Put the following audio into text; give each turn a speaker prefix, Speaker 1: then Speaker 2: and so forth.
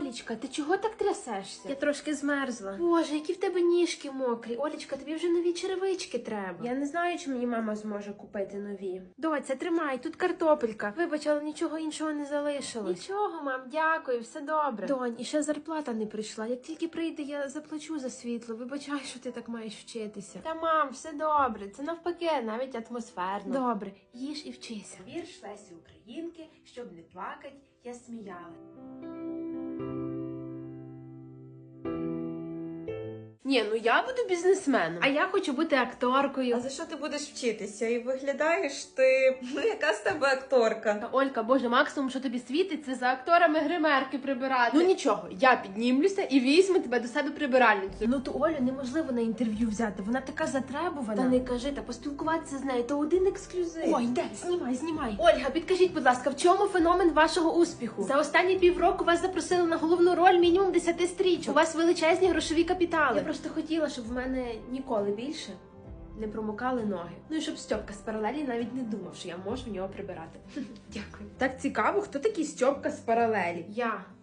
Speaker 1: Олічка, ти чого так трясешся?
Speaker 2: Я трошки змерзла.
Speaker 1: Боже, які в тебе ніжки мокрі. Олічка, тобі вже нові черевички треба.
Speaker 2: Я не знаю, чи мені мама зможе купити нові.
Speaker 1: Доця, тримай, тут картопелька. Вибач, але нічого іншого не залишилось. Нічого, мам, дякую, все добре. Донь, і ще зарплата не прийшла. Як тільки прийде, я заплачу за світло. Вибачай, що ти так маєш вчитися. Та, мам, все добре. Це навпаки, навіть атмосферно. Добре, їж і вчися.
Speaker 3: Вірш Лесі Українки, щоб не плакать, я сміяла.
Speaker 1: Ні, ну я буду бізнесменом, а я хочу бути акторкою.
Speaker 4: А за що ти будеш вчитися? І виглядаєш ти, яка з тебе акторка?
Speaker 1: Та, Олька, боже, максимум, що тобі світить, це за акторами гримерки прибирати. Ну нічого, я піднімлюся і візьму тебе до себе прибиральницю. Ну ту Олю неможливо на інтерв'ю взяти, вона така затребувана. Та не кажи, та поспілкуватися з нею, то один ексклюзив. Ой, де? Знімай. Ольга, підкажіть, будь ласка, в чому феномен вашого успіху? За останні півроку вас запросили на головну роль мінімум 10 стрічок. У вас величезні грошові капітали. Я просто хотіла, щоб в мене ніколи більше не промокали ноги. Ну і щоб Стьопка з паралелі навіть не думав, що я можу в нього прибирати. Дякую.
Speaker 2: Так цікаво, хто такий Стьопка з паралелі?
Speaker 1: Я.